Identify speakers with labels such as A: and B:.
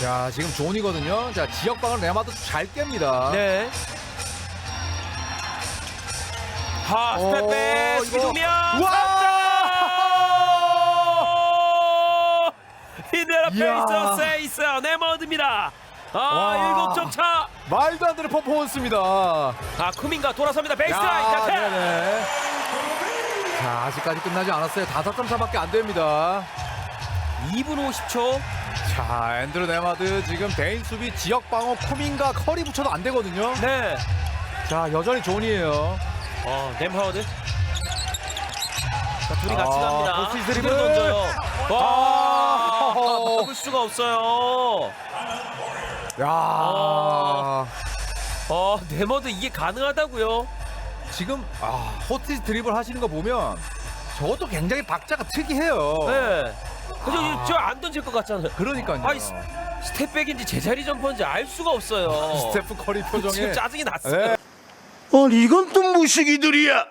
A: 자, 지금 존이거든요. 자, 지역방을 레마도 잘 깹니다.
B: 네. 하, 스텝백 이동면.
A: 와!
B: 히데라
A: 이야.
B: 페이서 세이스 네머드입니다.
A: 와.
B: 7점 차.
A: 말도 안 되는 퍼포먼스입니다.
B: 쿠민가 돌아섭니다. 베이스라인 카트.
A: 네네. 자, 아직까지 끝나지 않았어요. 5점 차밖에 안 됩니다.
B: 2분 50초.
A: 자, 앤드루 네마드 지금 대인 수비 지역 방어 쿠민과 커리 붙여도 안 되거든요.
B: 네.
A: 자, 여전히 존이에요.
B: 램하워드. 자, 둘이 같이 갑니다.
A: 포스트 드리블.
B: 그대로 던져요.
A: 아.
B: 막을 수가 없어요.
A: 야.
B: 네머드 이게 가능하다고요?
A: 지금 호티스 드리블 하시는 거 보면 저것도 굉장히 박자가 특이해요.
B: 네. 저안 던질 것 같잖아요.
A: 그러니까요.
B: 아이, 스텝백인지 제자리 점퍼인지 알 수가 없어요.
A: 스테프 커리 표정에
B: 지금 짜증이 났어요.
A: 네.
C: 아니 이건 또 무식이들이야.